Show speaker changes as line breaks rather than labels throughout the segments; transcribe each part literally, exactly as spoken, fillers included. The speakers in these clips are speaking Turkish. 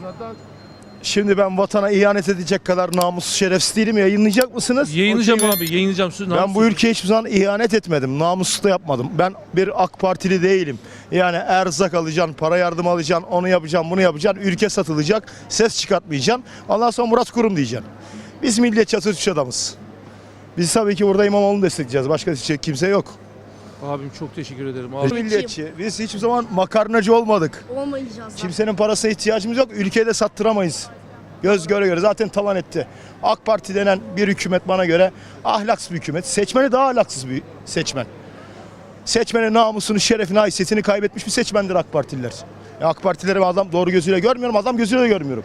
zaten.
Şimdi ben vatana ihanet edecek kadar namussuz şerefsiz değilim. Yayınlayacak mısınız?
Yayınlayacağım
Okey mi?
abi, yayınlayacağım. Söz
Ben bu ülkeye hiçbir zaman ihanet etmedim. Namussuz da yapmadım. Ben bir AK Partili değilim. Yani erzak alacaksın, para yardım alacaksın, onu yapacaksın, bunu yapacaksın. Ülke satılacak, ses çıkartmayacaksın. Ondan sonra Murat Kurum diyeceksin. Biz milliyetçi Atatürkçü adamız. Biz tabii ki burada İmamoğlu'nu destekleyeceğiz. Başka diyecek kimse yok.
Abim çok teşekkür ederim.
Biz
Abi.
milliyetçi. Biz hiçbir zaman makarnacı olmadık.
Olmayacağız.
Kimsenin parasına ihtiyacımız yok. Ülkeyi de sattıramayız. Göz göre göre zaten talan etti. AK Parti denen bir hükümet bana göre ahlaksız bir hükümet. Seçmeni daha ahlaksız bir seçmen. Seçmenin namusunu, şerefini, haysiyetini kaybetmiş bir seçmendir AK Partililer. Ya AK Partileri ben adam doğru gözüyle görmüyorum, adam gözüyle de görmüyorum.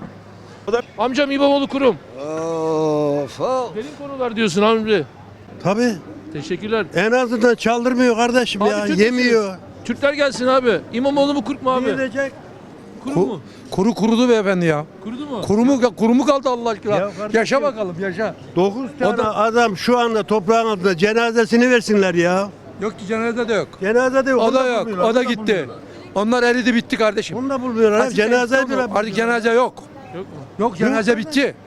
Amcam İmamoğlu Kurum.
Of, of.
Derin konular diyorsun abi.
Tabii.
Teşekkürler.
En azından çaldırmıyor kardeşim
Abi
ya.
Türk
Yemiyor.
müsünüz? Türkler gelsin abi. İmamoğlu mu Kurt mu abi?
Yiyecek.
Kuru mu?
Kuru kurudu beyefendi ya.
Kurudu mu?
Kuru mu, kuru mu kaldı Allah aşkına?
Ya kardeşim.
Yaşa bakalım yaşa.
dokuz tane
O da-
adam şu anda toprağın altında cenazesini versinler ya.
Yok ki cenaze de yok.
Cenaze de yok.
O
onu
da yok.
bulmuyorlar,
O da
onu
gitti.
bulmuyorlar.
Onlar eridi bitti kardeşim.
Onu da bulmuyorlar.
Artık
Cenaze bile.
Artık cenaze yok.
Yok mu?
Yok cenaze bitti.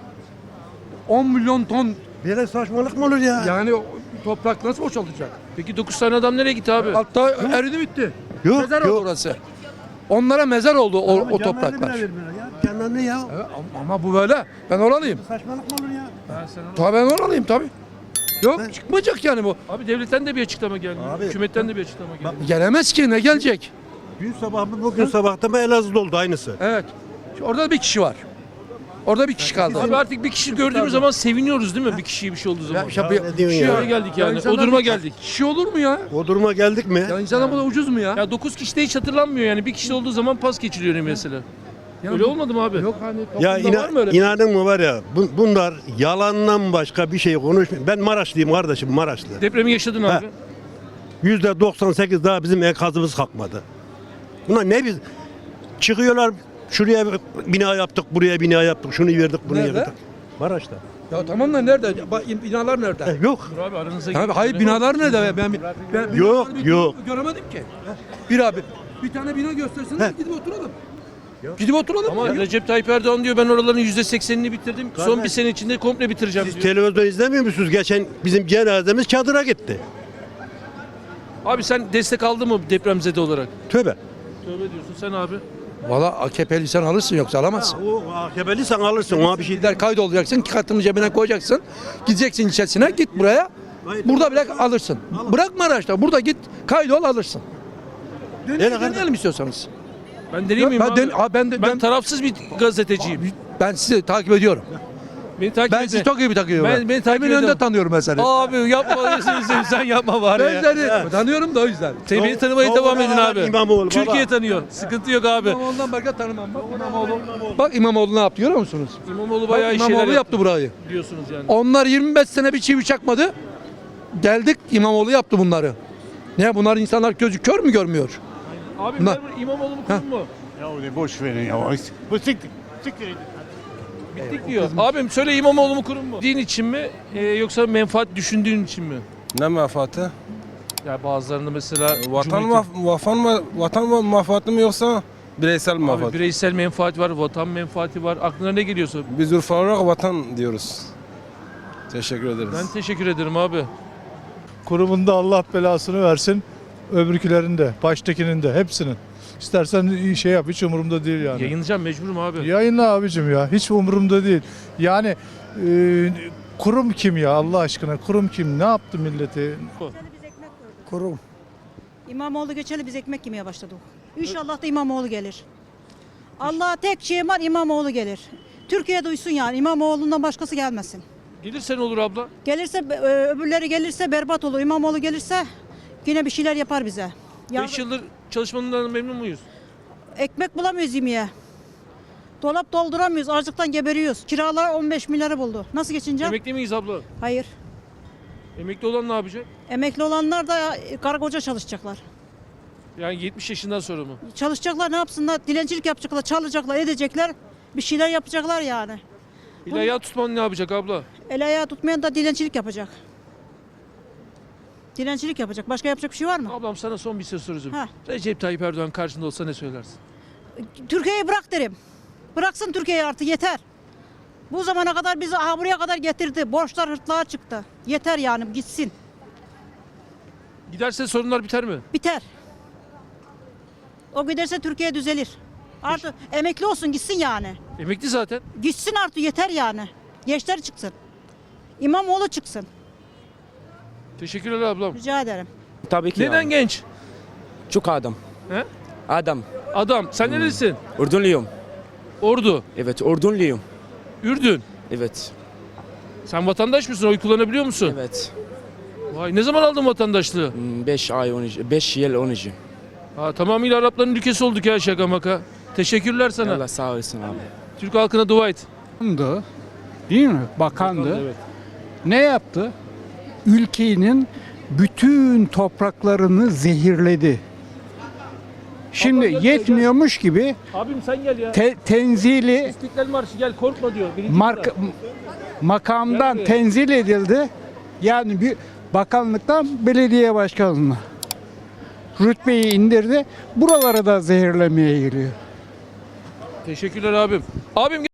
on milyon ton
Böyle saçmalık mı olur ya?
yani o toprak nasıl boşaltacak?
Peki dokuz tane adam nereye gitti abi?
Altta eridi bitti.
Yok,
Mezar
yok.
oldu orası. Onlara mezar oldu o,
Ama
o
cenaze
topraklar.
bile vermiyorlar ya. Canlarını ya.
Evet, ama- ama bu böyle. Ben oralıyım.
Saçmalık mı olur ya?
Tabii ben oralıyım tabii. Yok çıkmayacak yani bu.
Abi devletten de bir açıklama gelmiyor.
Abi,
Hükümetten de bir açıklama gelmiyor.
Gelemez ki ne gelecek?
Dün sabah mı bugün sabah da mı Elazığ'da oldu aynısı.
Evet. Orada bir kişi var. Orada bir kişi kaldı.
Abi artık bir kişi gördüğümüz zaman seviniyoruz değil mi? Bir kişiye bir şey olduğu zaman.
Ya, işte
Ya
bir-
ne diyorsun
Bir
ya?
şeye geldik yani.
insanlar
O duruma
bir-
geldik.
Kişi olur mu ya?
O duruma geldik mi?
Ya insana bu da ucuz mu ya?
Ya dokuz kişi de hiç hatırlanmıyor yani. Bir kişi olduğu zaman pas geçiliyor mesela.
Ya
Öyle
bu-
olmadı mı abi?
Yok hani
Ya
toplumda
ina,
var mı öyle?
inanın mı var ya bu- bunlar yalandan başka bir şey konuşmuyor. Ben Maraşlıyım kardeşim Maraşlı.
Depremi yaşadın
Ha.
abi.
yüzde doksan sekiz daha bizim enkazımız kalkmadı. Bunlar ne biz çıkıyorlar şuraya bir bina yaptık buraya bina yaptık şunu verdik bunu
Nerede?
verdik. Maraş'ta.
Ya tamam da nerede? Bak, binalar nerede?
Eh, yok.
Dur abi aranıza
Abi
girdim.
hayır
Ben-
binalar nerede? Ben, ben, ben
Yok,
binaları bir
yok.
Göremedim ki. Bir abi bir tane bina göstersin
He.
gidip oturalım. Gidip oturalım.
Ama
Ya.
Recep Tayyip Erdoğan diyor ben oraların yüzde seksenini bitirdim. Son
Kardeş,
bir sene içinde komple bitireceğim
Siz
diyor.
televizyon izlemiyor musunuz? Geçen bizim cenazemiz çadıra gitti.
Abi sen destek aldın mı depremzede olarak?
Tövbe.
Tövbe diyorsun sen abi.
Valla A K P'li sen alırsın yoksa alamazsın.
O A K P'li sen alırsın ona bir şey.
Gider kaydolacaksın, kartını cebine koyacaksın. Gideceksin ilçesine, git buraya. Burada bile alırsın. Bırakma araçta, burada git kaydol alırsın. Deneyelim,
kardeşim.
deneyelim istiyorsanız.
Ben deneyeyim miyim
ben,
abi?
den- abi ben, de-
ben,
ben,
tarafsız bir gazeteciyim.
ben sizi takip ediyorum.
Beni takip
Ben
edin.
sizi çok iyi bir takıyorum.
Ben- beni takip
Eminönü'nde
ediyorum.
tanıyorum ben seni.
Abi yapma sen, sen yapma bari
Ben
ya.
seni tanıyorum da o yüzden.
Sen beni tanımaya
Doğru
devam edin
karar
abi.
İmamoğlu,
Türkiye
baba.
tanıyor. Sıkıntı yok abi.
İmamoğlu'ndan başka tanımam. Bak İmamoğlu. Bak İmamoğlu ne yaptı görüyor musunuz?
İmamoğlu bayağı
Bak,
iyi şeyler
İmamoğlu
yaptı
yaptı burayı.
diyorsunuz yani.
Onlar yirmi beş sene bir çivi çakmadı. Geldik İmamoğlu yaptı bunları. Ne bunlar insanlar gözü kör mü görmüyor?
Abi
Na-
memur İmamoğlu mu kurum mu?
Ya öyle boş verin ya. Bu siktir. Siktir.
Bittik diyor. Abim söyle İmamoğlu mu kurum mu? Din için mi e, yoksa menfaat düşündüğün için mi?
Ne menfaati?
Ya bazılarında mesela
Vatan
Cumhuriyet'in-
maf vatan mı vatan menfaati mi yoksa bireysel
Abi
menfaat?
bireysel menfaat var, vatan menfaati var. Aklına ne geliyorsa.
Biz Urfa olarak vatan diyoruz. Teşekkür ederiz.
Ben teşekkür ederim abi.
Kurumunda Allah belasını versin. Öbürkülerin de, baştakinin de, hepsinin. İstersen iyi şey yap, hiç umurumda değil yani.
Yayınlayacağım mecburum abi.
Yayınla abicim ya, hiç umurumda değil. Yani e, kurum kim ya Allah aşkına, kurum kim, ne yaptı milleti?
Kurum. İmamoğlu geçeli biz ekmek yemeye başladık. İnşallah da İmamoğlu gelir. Allah'a tek şey var, İmamoğlu gelir. Türkiye duysun yani, İmamoğlu'ndan başkası gelmesin.
Gelirse ne olur abla?
Gelirse, e, öbürleri gelirse berbat olur. İmamoğlu gelirse yine bir şeyler yapar bize. Ya,
beş yıldır çalışmanından memnun muyuz?
ekmek bulamıyoruz yemeye. Dolap dolduramıyoruz, açlıktan geberiyoruz. Kiralar on beş milyarı buldu. Nasıl geçineceğim?
Emekli miyiz abla?
Hayır.
Emekli olan ne yapacak?
Emekli olanlar da e, karı koca çalışacaklar.
Yani yetmiş yaşından sonra mı?
Çalışacaklar, ne yapsınlar? Dilencilik yapacaklar, çalacaklar, edecekler. Bir şeyler yapacaklar yani.
İlahi tutman ne yapacak abla?
El ayağı tutmayan da dilencilik yapacak. Dilencilik yapacak. Başka yapacak bir şey var mı?
Ablam sana son bir şey soracağım.
Ha.
Recep Tayyip Erdoğan karşında olsa ne söylersin?
Türkiye'yi bırak derim. Bıraksın Türkiye'yi artık yeter. Bu zamana kadar bizi aha buraya kadar getirdi. Borçlar hırtlığa çıktı. Yeter yani gitsin.
Giderse sorunlar biter mi?
Biter. O giderse Türkiye düzelir. Artık emekli olsun gitsin yani.
Emekli zaten.
Gitsin artık yeter yani. Gençler çıksın. İmamoğlu çıksın.
Teşekkürler ablam.
Rica ederim.
Tabii ki
Neden
yani.
genç?
Çok adam.
He?
Adam.
Adam. Sen nerelisin?
Ordunluyum.
Ordu.
Evet, Ordunluyum.
Ürdün.
Evet.
Sen vatandaş mısın? Oy kullanabiliyor musun?
Evet.
Vay, ne zaman aldın vatandaşlığı?
beş ay on beş yıl on iki.
Ha, tamamıyla Arapların ülkesi olduk ya, şaka maka. Teşekkürler sana.
Allah sağ olasın abi.
Türk halkına dua et.
Bakandı, değil mi? Bakandı.
Evet.
Ne yaptı? Ülkenin bütün topraklarını zehirledi. Şimdi
Abla gel,
yetmiyormuş gibi
Abim sen gel ya.
te- tenzili
İstiklal Marşı gel, korkma diyor. Birinci
mark
sıra.
makamdan
Gel buraya.
tenzil edildi. Yani bir bakanlıktan belediye başkanına rütbeyi indirdi. Buralara da zehirlemeye geliyor.
Teşekkürler abim. Abim gel.